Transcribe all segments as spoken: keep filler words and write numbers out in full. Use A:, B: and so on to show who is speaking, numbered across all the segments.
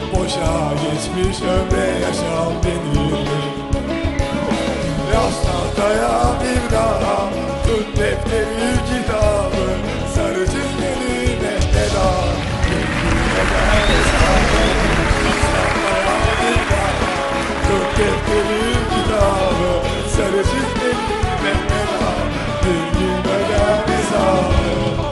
A: Boşa geçmiş ömre yaşam denir. Yaz tahtaya bir daha, tut defteri kitabı, sarı çizgiline veda. Bilgiyle hesabı, yaz tahtaya bir daha, tut defteri kitabı, sarı çizgiline veda. Bilgiyle hesabı.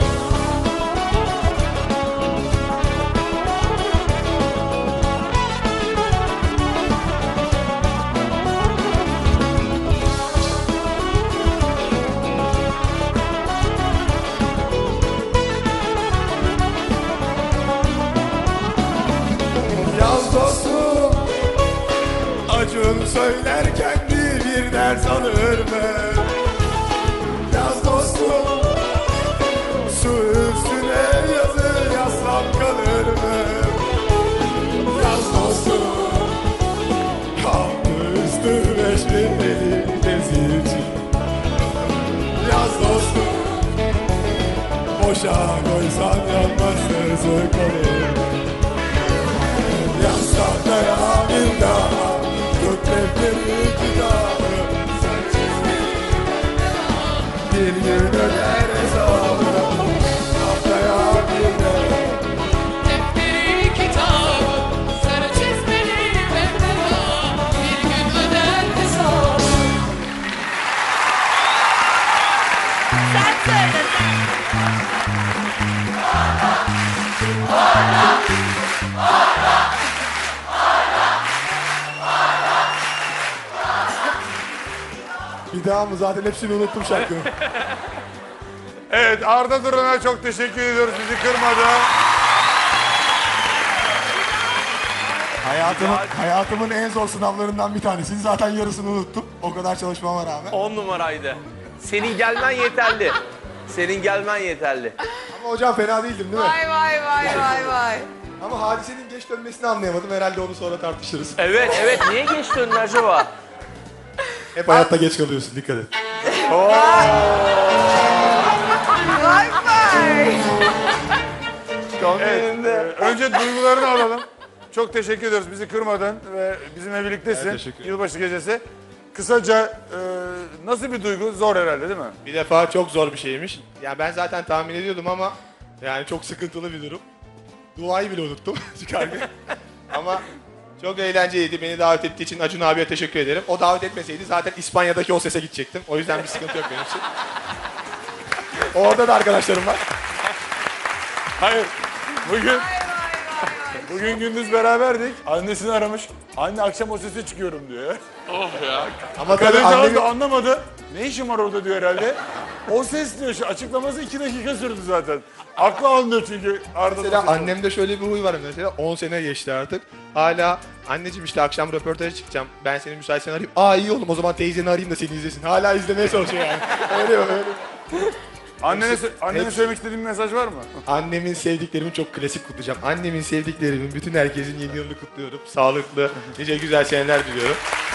A: Yaz dostum, Acun söylerken bir bir ders alır mı? Yaz dostum, su üstüne yazı yazsam kalır mı? Yaz dostum, altı üstü beş bin elinde zilci. Yaz dostum, boşa koysan yanmaz sözü kalır. Yaz tahtaya bir daha, tut defteri kitabı, sarı çizgiyle bir gün öder hesabı. Tahtaya bir daha,
B: Defteri kitabı, sarı çizmeli veda, bir gün öder hesabı.
C: Sen söyle sen.
A: bir daha mı? Zaten hepsini unuttum şarkının.
D: Evet, Arda Duran'a çok teşekkür ediyoruz. Bizi kırmadı.
A: Hayatımın, hayatımın en zor sınavlarından bir tanesini zaten yarısını unuttum. O kadar çalışmama rağmen.
E: On numaraydı. Senin gelmen yeterli. Senin gelmen yeterli.
A: Ama hocam fena değildim değil mi?
C: Vay vay vay vay vay.
A: Ama hadisenin geç dönmesini anlayamadım. Herhalde onu sonra tartışırız.
E: Evet, evet. Niye geç döndün acaba?
A: Hep hayatta geç kalıyorsun, dikkat et.
C: Vay vay.
D: Evet, e, önce duygularını alalım. Çok teşekkür ediyoruz. Bizi kırmadın ve bizimle birliktesin.
A: Evet, teşekkür ederim.
D: Yılbaşı gecesi. Kısaca e, nasıl bir duygu? Zor herhalde değil mi?
A: Bir defa çok zor bir şeymiş. Ya ben zaten tahmin ediyordum ama yani çok sıkıntılı bir durum. Duayı bile unuttum çıkarken. Ama çok eğlenceliydi. Beni davet ettiği için Acun abiye teşekkür ederim. O davet etmeseydi zaten İspanya'daki o sese gidecektim. O yüzden bir sıkıntı yok benim için. Orada da arkadaşlarım var.
D: Hayır. Bugün
C: Vay vay vay.
D: bugün gündüz beraberdik. Annesini aramış. Anne akşam o sese çıkıyorum diyor.
A: Ama tabii
D: Kadıncağız
A: annemi...
D: da anlamadı. Ne işim var orada diyor herhalde. O ses diyor. Şu açıklaması iki dakika sürdü zaten. Aklı almıyor çünkü Arda'nın
A: Mesela
D: sesi.
A: annemde şöyle bir huy var mesela. on sene geçti artık. Hala anneciğim işte akşam röportaja çıkacağım. Ben seni müsaitsen arayayım. Aa iyi oğlum o zaman teyzeni arayayım da seni izlesin. Hala izlemeye çalışıyor yani. Öyle öyle.
D: Annene, sö- annene
A: hepsi-
D: söylemek istediğin bir mesaj var mı?
A: Annemin sevdiklerimi çok klasik kutlayacağım. Annemin sevdiklerimin bütün herkesin yeni yılını kutluyorum. Sağlıklı, nice güzel seneler diliyorum.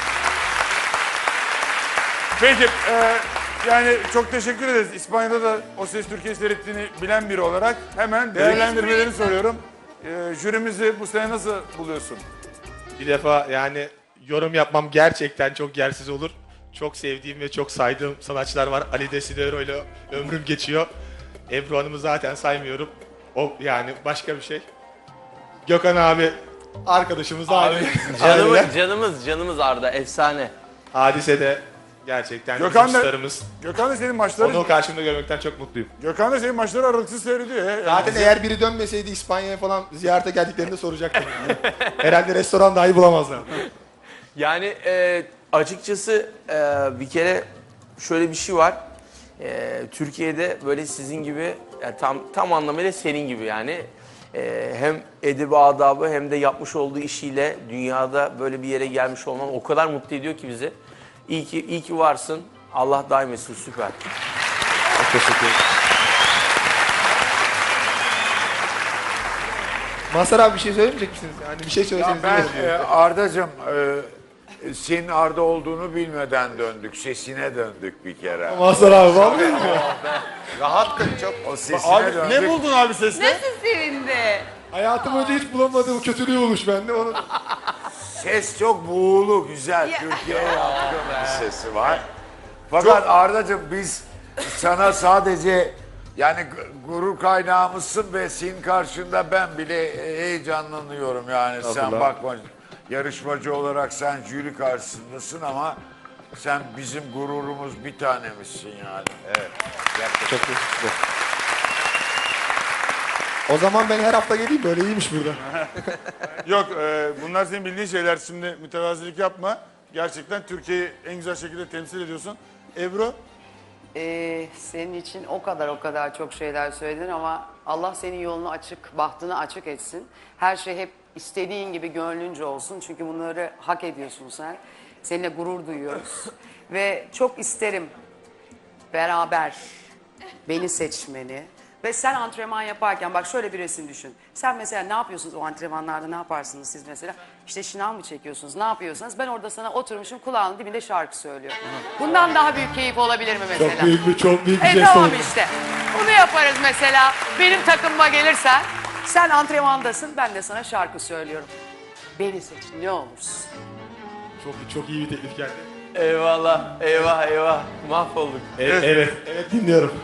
D: Peki, e, yani çok teşekkür ederiz. İspanya'da da O Ses Türkiye seyrettiğini bilen biri olarak hemen değerlendirmelerini soruyorum. E, jürimizi bu sene nasıl buluyorsun?
A: Bir defa yani yorum yapmam gerçekten çok yersiz olur. Çok sevdiğim ve çok saydığım sanatçılar var. Ali Desidero ile ömrüm geçiyor. Ebru Hanım'ı zaten saymıyorum. O yani başka bir şey. Gökhan abi arkadaşımız abi.
E: Canımız, canımız, canımız Arda. Efsane.
A: Hadise de gerçekten
D: Gökhan
A: bizim
D: da-
A: starımız.
D: Gökhan da senin maçları,
A: Onu karşımda görmekten çok mutluyum.
D: Gökhan da senin maçları aralıksız seyrediyor. ya.
A: Zaten eğer biri dönmeseydi İspanya'ya falan ziyarete geldiklerinde soracaktım. Yani. Herhalde restoran dahi bulamazlar.
E: Yani e, açıkçası e, bir kere şöyle bir şey var. E, Türkiye'de böyle sizin gibi yani tam tam anlamıyla senin gibi yani e, hem edebi adabı hem de yapmış olduğu işiyle dünyada böyle bir yere gelmiş olman o kadar mutlu ediyor ki bizi. İyi ki iyi ki varsın. Allah daim etsin. Süper.
A: Çok teşekkür ederim. Mazhar abi bir şey söylemeyecek misiniz? Yani bir şey
F: Ya
A: söyleseniz
F: ben
A: iyi olur.
F: e, Arda'cığım e, senin Arda olduğunu bilmeden döndük. Sesine döndük bir kere.
A: Mazhar abi vallahi mi?
F: Rahattın çok. O sesine
D: Abi
F: döndük.
D: ne buldun abi seste?
C: Nasıl sevindi?
A: Hayatım önce hiç bulamadığım kötülüğü olmuş bende. Onu...
F: Ses çok buğulu, güzel. Türkiye'ye yatkın bir sesi var. Fakat Arda'cığım biz sana sadece yani gu- gurur kaynağımızsın ve senin karşında ben bile heyecanlanıyorum yani. Sen
A: Estağfurullah.
F: bakma, yarışmacı olarak sen jüri karşısındasın ama sen bizim gururumuz, bir tanemizsin yani.
A: Çok teşekkür ederim. O zaman ben her hafta geleyim, böyle iyiymiş burada.
D: Yok e, bunlar senin bildiğin şeyler, şimdi mütevazilik yapma. Gerçekten Türkiye'yi en güzel şekilde temsil ediyorsun. Ebru?
G: Ee, senin için o kadar o kadar çok şeyler söyledin ama Allah senin yolunu açık, bahtını açık etsin. Her şey hep istediğin gibi gönlünce olsun. Çünkü bunları hak ediyorsun sen. Seninle gurur duyuyoruz. Ve çok isterim beraber beni seçmeni. Ve sen antrenman yaparken bak şöyle bir resim düşün. Sen mesela ne yapıyorsunuz o antrenmanlarda, ne yaparsınız siz mesela? İşte şınav mı çekiyorsunuz, ne yapıyorsanız ben orada sana oturmuşum kulağının dibinde şarkı söylüyorum. Bundan daha büyük keyif olabilir mi mesela?
A: Çok büyük bir, çok büyük bir
G: E
A: şey
G: tamam
A: oldu.
G: işte. Bunu yaparız mesela. Benim takımıma gelirsen sen antrenmandasın, ben de sana şarkı söylüyorum. Beni seç ne olursun.
A: Çok, çok iyi bir teklif geldi.
E: Eyvallah, eyvah, eyvah. Mahvolduk.
A: Evet, evet, evet dinliyorum.